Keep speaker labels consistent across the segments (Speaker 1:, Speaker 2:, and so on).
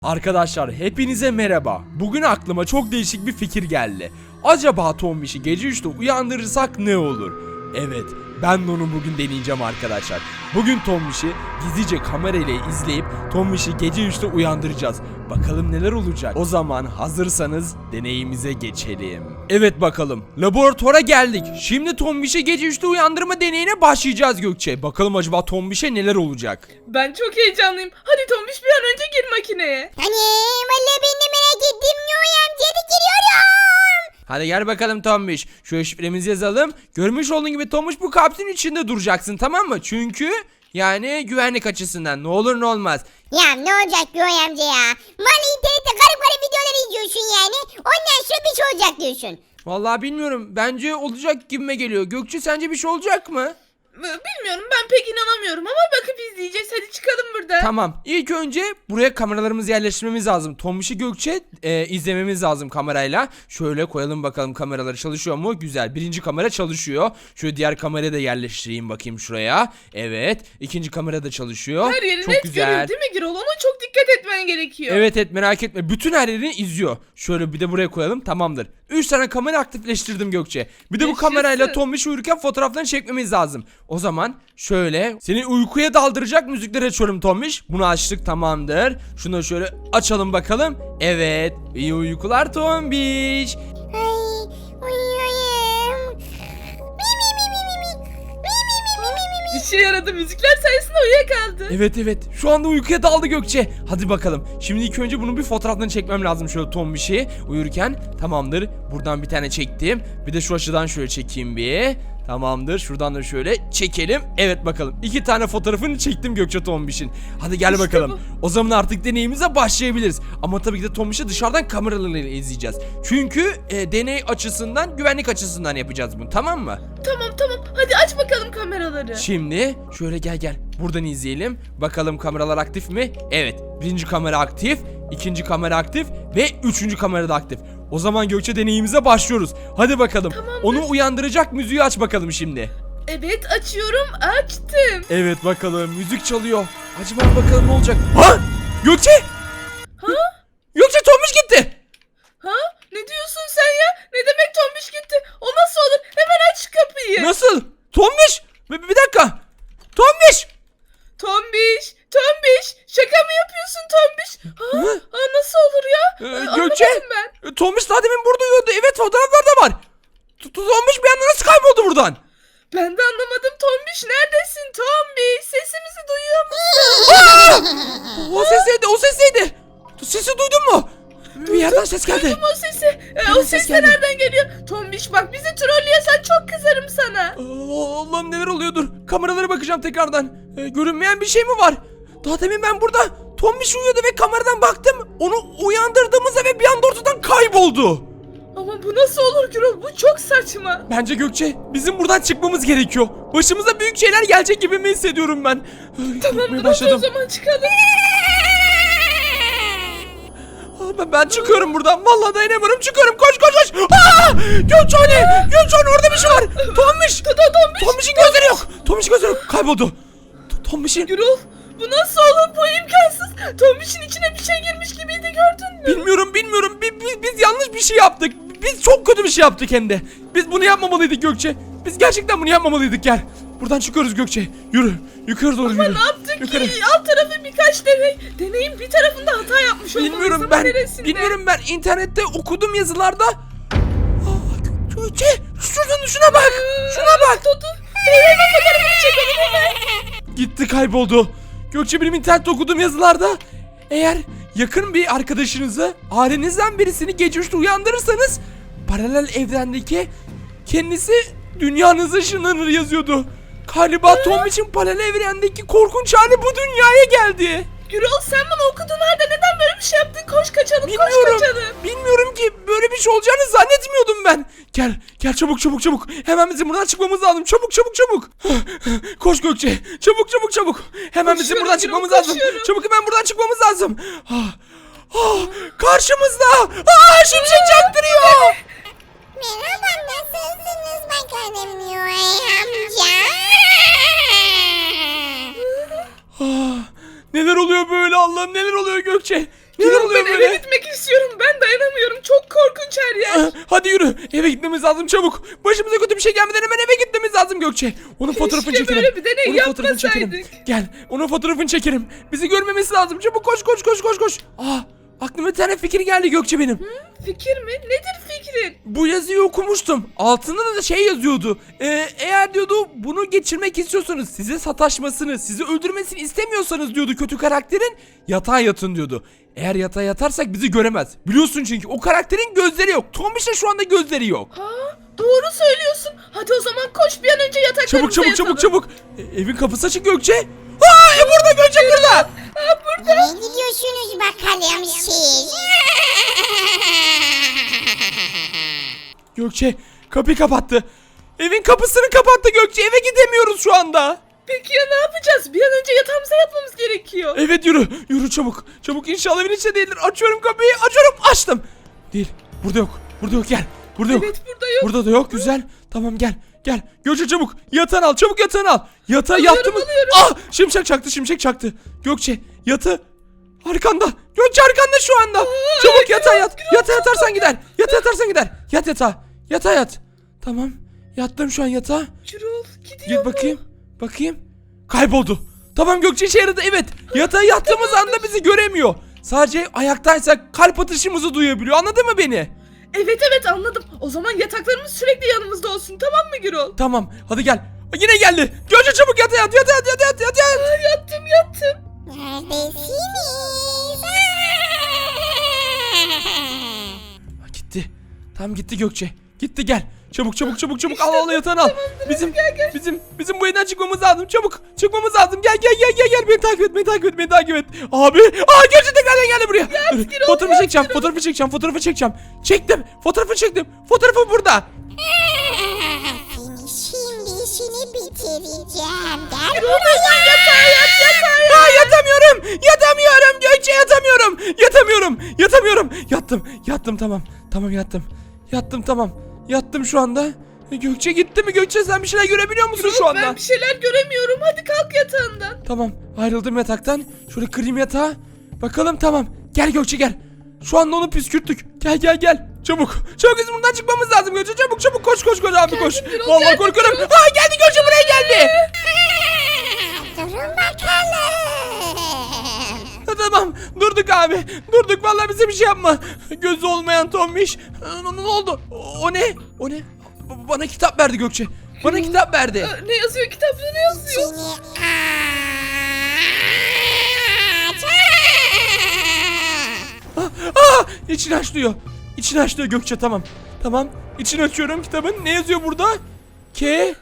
Speaker 1: Arkadaşlar hepinize merhaba. Bugün aklıma çok değişik bir fikir geldi. Acaba Tombiş'i gece 3'te uyandırırsak ne olur? Evet, ben de onu bugün deneyeceğim arkadaşlar. Bugün Tombiş'i gizlice kamerayla izleyip Tombiş'i gece 3'te uyandıracağız. Bakalım neler olacak. O zaman hazırsanız deneyimize geçelim. Evet bakalım. Laboratuvara geldik. Şimdi Tombiş'i gece 3'te uyandırma deneyine başlayacağız Gökçe. Bakalım acaba Tombiş'e neler olacak?
Speaker 2: Ben çok heyecanlıyım. Hadi Tombiş bir an önce gir makineye.
Speaker 3: Vallahi ben de merak ettim. Noy amca hadi giriyorum.
Speaker 1: Hadi gel bakalım Tombiş. Şu şifremizi yazalım. Görmüş olduğun gibi Tombiş bu kapsülün içinde duracaksın, tamam mı? Çünkü yani güvenlik açısından ne olur ne olmaz.
Speaker 3: Ya ne olacak Noy amca ya? Bana internette garip garip videolar izliyorsun yani. Ondan sonra bir şey olacak diyorsun.
Speaker 1: Vallahi bilmiyorum. Bence olacak gibime geliyor. Gökçe sence bir şey olacak mı?
Speaker 2: Bilmiyorum, ben pek inanamıyorum ama bakıp izleyeceğiz. Hadi çıkalım buradan.
Speaker 1: Tamam. İlk önce buraya kameralarımızı yerleştirmemiz lazım. Tombiş'i Gökçe izlememiz lazım kamerayla. Şöyle koyalım bakalım, kameraları çalışıyor mu? Güzel. Birinci kamera çalışıyor. Şöyle diğer kamerayı da yerleştireyim bakayım şuraya. Evet. İkinci kamera da çalışıyor.
Speaker 2: Her yeri
Speaker 1: Çok
Speaker 2: net
Speaker 1: güzel.
Speaker 2: görüyor değil mi Girol? Ona çok dikkat etmen gerekiyor.
Speaker 1: Evet merak etme. Bütün her yerini izliyor. Şöyle bir de buraya koyalım, tamamdır. 3 tane kamera aktifleştirdim Gökçe. Bir de bu
Speaker 2: Yaşasın.
Speaker 1: kamerayla Tombiş uyurken fotoğraflarını çekmemiz lazım. O zaman şöyle seni uykuya daldıracak müzikleri açıyorum Tombiş. Bunu açtık, tamamdır. Şunu şöyle açalım bakalım. Evet. İyi uykular Tombiş.
Speaker 3: Ay uyuyorum.
Speaker 2: İşe yaradı, müzikler sayesinde uyuyakaldı.
Speaker 1: Evet. Şu anda uykuya daldı Gökçe. Hadi bakalım. Şimdi ilk önce bunun bir fotoğrafını çekmem lazım şöyle Tombiş'i uyurken. Tamamdır. Buradan bir tane çektim. Bir de şu açıdan şöyle çekeyim bir. Tamamdır. Şuradan da şöyle çekelim. Evet bakalım. 2 tane fotoğrafını çektim Gökçe Tombiş'in. Hadi gel
Speaker 2: İşte
Speaker 1: bakalım.
Speaker 2: bu.
Speaker 1: O zaman artık deneyimize başlayabiliriz. Ama tabii ki de Tombiş'i dışarıdan kameralarıyla izleyeceğiz. Çünkü deney açısından, güvenlik açısından yapacağız bunu. Tamam mı?
Speaker 2: Tamam. Hadi aç bakalım kameraları.
Speaker 1: Şimdi şöyle gel. Buradan izleyelim. Bakalım kameralar aktif mi? Evet. Birinci kamera aktif. İkinci kamera aktif. Ve üçüncü kamera da aktif. O zaman Gökçe deneyimize başlıyoruz. Hadi bakalım.
Speaker 2: Tamamdır.
Speaker 1: Onu uyandıracak müziği aç bakalım şimdi.
Speaker 2: Evet, açıyorum, açtım.
Speaker 1: Evet bakalım. Müzik çalıyor. Acaba bakalım ne olacak? Ha? Gökçe!
Speaker 2: Ha?
Speaker 1: Gökçe Tombiş gitti.
Speaker 2: Ha? Ne diyorsun sen ya? Ne demek Tombiş gitti? O nasıl olur? Hemen aç şu kapıyı.
Speaker 1: Nasıl? Tombiş! Bir dakika. Tombiş!
Speaker 2: Tombiş, şaka mı yapıyorsun Tombiş? Ha, nasıl olur ya?
Speaker 1: Gökçe!
Speaker 2: Anlamadım ben.
Speaker 1: Tombiş daha demin burada uyuyordu. Evet, fotoğraflar da var. Tombiş bir anda nasıl kayboldu buradan?
Speaker 2: Ben de anlamadım Tombiş, neredesin Tombiş? Sesimizi duyuyor musun?
Speaker 1: O ses neydi? Sesi duydun mu? Bir yerden ses geldi.
Speaker 2: Duydum o sesi. O ses de
Speaker 1: geldi.
Speaker 2: nereden geliyor? Tombiş bak, bizi trollüyorsan çok kızarım sana.
Speaker 1: Allah'ım neler oluyordur. Kameralara bakacağım tekrardan. Görünmeyen bir şey mi var? Daha demin ben burada Tombiş uyuyordu ve kameradan baktım. Onu uyandırdığımızda ve bir anda ortadan kayboldu.
Speaker 2: Ama bu nasıl olur Gürol? Bu çok saçma.
Speaker 1: Bence Gökçe bizim buradan çıkmamız gerekiyor. Başımıza büyük şeyler gelecek gibi mi hissediyorum ben? Korkmaya
Speaker 2: Hadi o zaman çıkalım.
Speaker 1: Ben çıkıyorum buradan. Vallahi dayanamıyorum. Çıkıyorum. Koş. Gökçe orada bir şey var. Tombiş. Tombiş'in gözleri yok. Tombiş'in gözleri yok. Kayboldu. Tombiş'in.
Speaker 2: Gürol, bu nasıl olur? Bu imkansız. Tombiş'in içine bir şey girmiş gibiydi, gördün mü?
Speaker 1: Bilmiyorum. Biz yanlış bir şey yaptık. Biz çok kötü bir şey yaptık hem de. Biz bunu yapmamalıydık Gökçe. Biz gerçekten bunu yapmamalıydık, gel. Buradan çıkıyoruz Gökçe. Yürü. Yukarı doğru yürü.
Speaker 2: Ne yaptık
Speaker 1: Yukarı.
Speaker 2: ki? Alt tarafı birkaç deney. Deneyin bir tarafında hata yapmış olmalıyız
Speaker 1: Bilmiyorum
Speaker 2: ama
Speaker 1: ben.
Speaker 2: neresinde?
Speaker 1: Bilmiyorum ben. İnternette okudum yazılarda. Gökçe şuna bak. Şuna bak.
Speaker 2: Tutu. Hemen fotoğrafını çekelim hemen.
Speaker 1: Gitti, kayboldu. Gökçe benim internette okuduğum yazılarda eğer yakın bir arkadaşınızı, ailenizden birisini gece 3'te uyandırırsanız paralel evrendeki kendisi dünyanıza ışınlanır yazıyordu. Galiba Tom için paralel evrendeki korkunç hali bu dünyaya geldi.
Speaker 2: Gürol, sen bunu okudun halde neden böyle bir şey yaptın? Koş kaçalım,
Speaker 1: Bilmiyorum.
Speaker 2: koş kaçalım.
Speaker 1: Bilmiyorum ki, böyle bir şey olacağını zannetmiyordum ben. Gel çabuk. Hemen bizim buradan çıkmamız lazım. Çabuk. Koş Gökçe. Çabuk. Hemen bizim
Speaker 2: Koşuyorum
Speaker 1: buradan
Speaker 2: Gürol,
Speaker 1: çıkmamız lazım.
Speaker 2: koşuyorum.
Speaker 1: Çabuk, hemen buradan çıkmamız lazım. Karşımızda. Şimşek çaktırıyor.
Speaker 3: Merhaba, nasılsınız bakalım Noy amca?
Speaker 1: Neler oluyor böyle Allah'ım, neler oluyor Gökçe? Neler
Speaker 2: Gürol,
Speaker 1: oluyor
Speaker 2: ben
Speaker 1: böyle?
Speaker 2: eve gitmek istiyorum. Ben dayanamıyorum. Çok korkunç her yer.
Speaker 1: Hadi yürü. Eve gitmemiz lazım çabuk. Başımıza kötü bir şey gelmeden hemen eve gitmemiz lazım Gökçe. Onun fotoğrafını
Speaker 2: Keşke
Speaker 1: çekelim.
Speaker 2: böyle bir deney
Speaker 1: Onun fotoğrafını çekelim.
Speaker 2: yapmasaydık.
Speaker 1: Gel. Onun fotoğrafını çekelim. Bizi görmemesi lazım. Çabuk koş koş koş koş koş. Aklıma bir tane fikir geldi Gökçe benim.
Speaker 2: Fikir mi? Nedir fikrin?
Speaker 1: Bu yazıyı okumuştum. Altında da şey yazıyordu. Eğer diyordu bunu geçirmek istiyorsanız, size sataşmasını, sizi öldürmesini istemiyorsanız diyordu kötü karakterin, yatağa yatın diyordu. Eğer yatağa yatarsak bizi göremez. Biliyorsun çünkü o karakterin gözleri yok. Tombiş'te şu anda gözleri yok.
Speaker 2: Doğru söylüyorsun. Hadi o zaman koş bir an önce yataklarımıza
Speaker 1: Çabuk çabuk
Speaker 2: yatalım.
Speaker 1: çabuk çabuk. Evin kapısı açık Gökçe. Burada Gökçe burada.
Speaker 3: Nereye gidiyorsunuz bakalım siz?
Speaker 1: Gökçe kapıyı kapattı. Evin kapısını kapattı Gökçe. Eve gidemiyoruz şu anda.
Speaker 2: Peki ya ne yapacağız? Bir an önce yatağımıza yatmamız gerekiyor.
Speaker 1: Evet yürü. Yürü çabuk. Çabuk inşallah evin içinde değildir. Açıyorum kapıyı. Açıyorum. Açtım. Değil. Burada yok. Burada yok gel. Burada yok.
Speaker 2: Evet, burada yok.
Speaker 1: Burada da yok. Güzel. Tamam gel. Gel. Gökçe çabuk. Yatağını al. Çabuk yatağını al. Yatağa
Speaker 2: Alıyorum,
Speaker 1: yattığımız...
Speaker 2: alıyorum.
Speaker 1: Şimşek çaktı. Şimşek çaktı. Gökçe yatı. Arkanda. Gökçe arkanda şu anda. Çabuk yatağa yat. Yatağa yatarsan gider. Yatağa yatarsan gider. Yat yatağa. Yatağa yat. Tamam. Yattım şu an yatağa.
Speaker 2: Gürol gidiyor
Speaker 1: Git bakayım. Bakayım. Kayboldu. Tamam Gökçe işe yaradı. Evet. Yatağa yattığımız anda bizi göremiyor. Sadece ayaktaysak kalp atışımızı duyabiliyor. Anladın mı beni?
Speaker 2: Evet anladım. O zaman yataklarımız sürekli yanımızda olsun, tamam mı Gürol?
Speaker 1: Tamam. Hadi gel. Yine geldi. Gökçe çabuk yatağa yat. Yatağa yat. Yatağa yat. Yatağa yat.
Speaker 2: Yattım.
Speaker 3: Neredesiniz?
Speaker 1: Gitti. Tam gitti Gökçe. Gitti gel. Çabuk çabuk çabuk çabuk al yatağını al. Bizim bu evden çıkmamız lazım. Çabuk çıkmamız lazım. Gel. Beni takip et. Abi. Gökçe tekrardan geldi buraya. Dur, fotoğrafı çekeceğim. Çektim. Fotoğrafı burada.
Speaker 3: Seni şimdi bitireceğim. Gel
Speaker 2: Yatağa yat.
Speaker 1: Yatamıyorum Gökçe yatamıyorum. Yattım tamam. Yattım şu anda. Gökçe gitti mi? Gökçe sen bir şeyler görebiliyor musun şu anda?
Speaker 2: Ben bir şeyler göremiyorum. Hadi kalk yatağından.
Speaker 1: Tamam ayrıldım yataktan. Şöyle kırayım yatağı. Bakalım tamam. Gel Gökçe gel. Şu anda onu püskürttük. Gel. Çabuk bizim buradan çıkmamız lazım Gökçe. Çabuk koş abi koş.
Speaker 2: Gürol,
Speaker 1: Vallahi
Speaker 2: geldim
Speaker 1: korkuyorum.
Speaker 2: Gürol.
Speaker 1: Geldi Gökçe buraya geldi.
Speaker 3: durun bakalım.
Speaker 1: Tamam durduk abi. Vallahi bize bir şey yapma. Gözü olmayan Tombiş. Ne oldu? O ne? Bana kitap verdi Gökçe. Bana kitap verdi.
Speaker 2: Ne yazıyor kitapta, ne yazıyor?
Speaker 3: Seni
Speaker 1: İçini aç diyor Gökçe tamam. İçini açıyorum kitabın. Ne yazıyor burada? K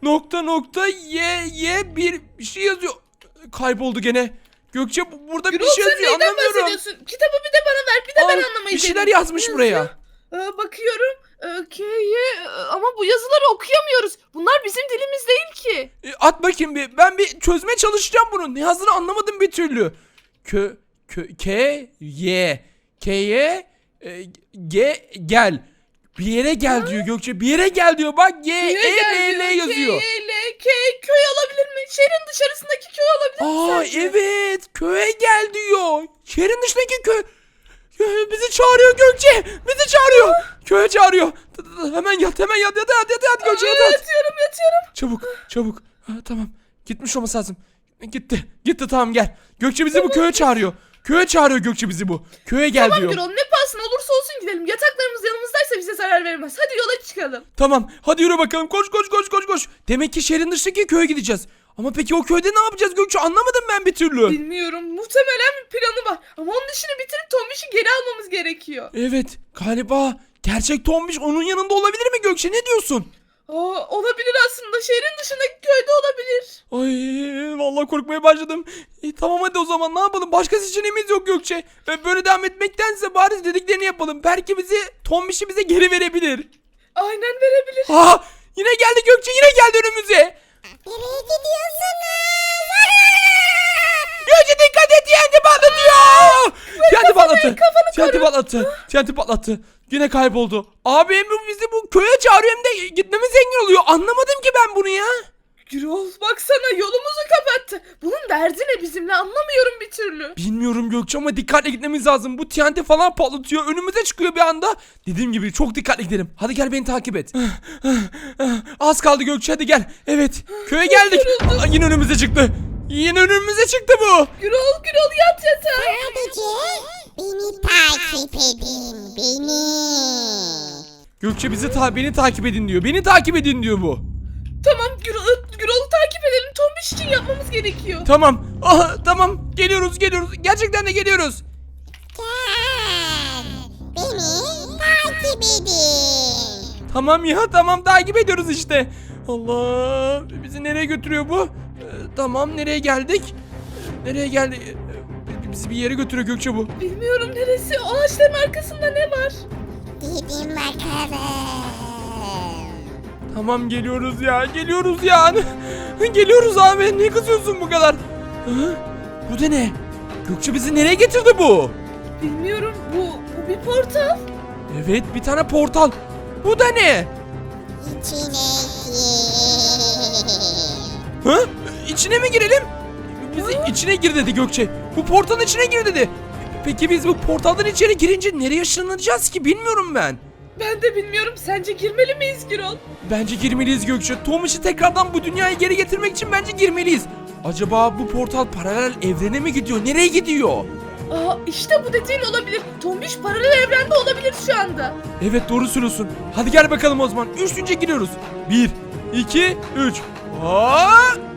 Speaker 1: bir şey yazıyor. Kayboldu gene. Gökçe burada bir
Speaker 2: Gürol,
Speaker 1: şey
Speaker 2: sen
Speaker 1: yazıyor
Speaker 2: neyden
Speaker 1: anlamıyorum.
Speaker 2: bahsediyorsun? Kitabı bir de bana ver. Bir de ben anlamayı
Speaker 1: bir şeyler
Speaker 2: deneyeyim.
Speaker 1: yazmış
Speaker 2: Ne
Speaker 1: buraya.
Speaker 2: yazıyor? Bakıyorum. Ama bu yazıları okuyamıyoruz. Bunlar bizim dilimiz değil ki.
Speaker 1: At bakayım bir. Ben bir çözmeye çalışacağım bunu. Ne yazdığını anlamadım bir türlü. Gel. Bir yere gel diyor Gökçe. Bir yere gel diyor. Bak L yazıyor.
Speaker 2: Köy olabilir mi? Şehrin dışarısındaki köy olabilir mi sence?
Speaker 1: Evet. Köye gel diyor. Şehrin dışındaki köy. Bizi çağırıyor Gökçe. Köye çağırıyor. Hemen yat Gökçe yat.
Speaker 2: Yatıyorum.
Speaker 1: Çabuk. Tamam. Gitmiş olması lazım. Gitti tamam gel. Gökçe bizi bu köye çağırıyor. Köye çağırıyor Gökçe bizi bu. Köye gel
Speaker 2: Tamam
Speaker 1: diyor.
Speaker 2: Gürol, ne pahasına olursa olsun gidelim. Yataklarımız yanımızdaysa bize zarar vermez. Hadi yola çıkalım.
Speaker 1: Tamam. Hadi yürü bakalım. Koş. Demek ki şehrin dışındaki köye gideceğiz. Ama peki o köyde ne yapacağız Gökçe? Anlamadım ben bir türlü.
Speaker 2: Bilmiyorum. Muhtemelen bir planı var. Ama onun işini bitirip Tombiş'i geri almamız gerekiyor.
Speaker 1: Evet. Galiba gerçek Tombiş onun yanında olabilir mi Gökçe? Ne diyorsun?
Speaker 2: Olabilir aslında. Şehrin dışındaki köyde olabilir.
Speaker 1: Ay vallahi korkmaya başladım. Tamam hadi o zaman ne yapalım? Başka seçeneğimiz yok Gökçe. Böyle devam etmektense bari dediklerini yapalım. Belki Tombiş'i bize geri verebilir.
Speaker 2: Aynen verebilir.
Speaker 1: Yine geldi Gökçe. Yine geldi önümüze.
Speaker 3: nereye gidiyorsunuz?
Speaker 1: Gökçe dikkat et TNT patlatıyor. TNT patlattı. Yine kayboldu. Abi hem bizi bu köye çağırıyor hem de gitmemize engel oluyor. Anlamadım ki ben bunu ya.
Speaker 2: Gürol baksana yolumuzu kapattı. Bunun derdi ne bizimle anlamıyorum bir türlü.
Speaker 1: Bilmiyorum Gökçe ama dikkatli gitmemiz lazım. Bu TNT falan patlatıyor. Önümüze çıkıyor bir anda. Dediğim gibi çok dikkatli gidelim. Hadi gel beni takip et. Az kaldı Gökçe hadi gel. Evet köye geldik. Aa, yine önümüze çıktı. Yine önümüze çıktı bu.
Speaker 2: Gürol yat yatağa.
Speaker 3: Sadece beni takip edin. Beni.
Speaker 1: Gökçe beni takip edin diyor. Beni takip edin diyor bu.
Speaker 2: Tamam Gürol'u takip edelim. Tombiş için yapmamız gerekiyor.
Speaker 1: Tamam. Aha, tamam. Geliyoruz. Gerçekten de geliyoruz.
Speaker 3: Gel. Beni takip edin.
Speaker 1: Tamam ya tamam takip ediyoruz işte. Allah bizi nereye götürüyor bu? Tamam nereye geldik? Nereye geldik? Bizi bir yere götürüyor Gökçe bu.
Speaker 2: Bilmiyorum neresi. O ağaçların arkasında ne var?
Speaker 3: Gidin bakalım.
Speaker 1: Tamam geliyoruz ya. Geliyoruz abi. Niye kızıyorsun bu kadar? Hı? Bu da ne? Gökçe bizi nereye getirdi bu?
Speaker 2: Bilmiyorum. Bu bir portal.
Speaker 1: Evet bir tane portal. Bu da ne?
Speaker 3: İçine gir.
Speaker 1: Hı? İçine mi girelim? Bizi içine gir dedi Gökçe. Bu portalın içine gir dedi. Peki biz bu portaldan içeri girince nereye ışınlanacağız ki bilmiyorum ben.
Speaker 2: Ben de bilmiyorum. Sence girmeli miyiz Gürol?
Speaker 1: Bence girmeliyiz Gökçe. Tomiş'i tekrardan bu dünyaya geri getirmek için bence girmeliyiz. Acaba bu portal paralel evrene mi gidiyor? Nereye gidiyor?
Speaker 2: Aa işte bu dediğin olabilir. Tombiş paralel evrende olabilir şu anda.
Speaker 1: Evet doğru söylüyorsun. Hadi gel bakalım o zaman. Üçüncü giriyoruz. 1, 2, 3. Aa!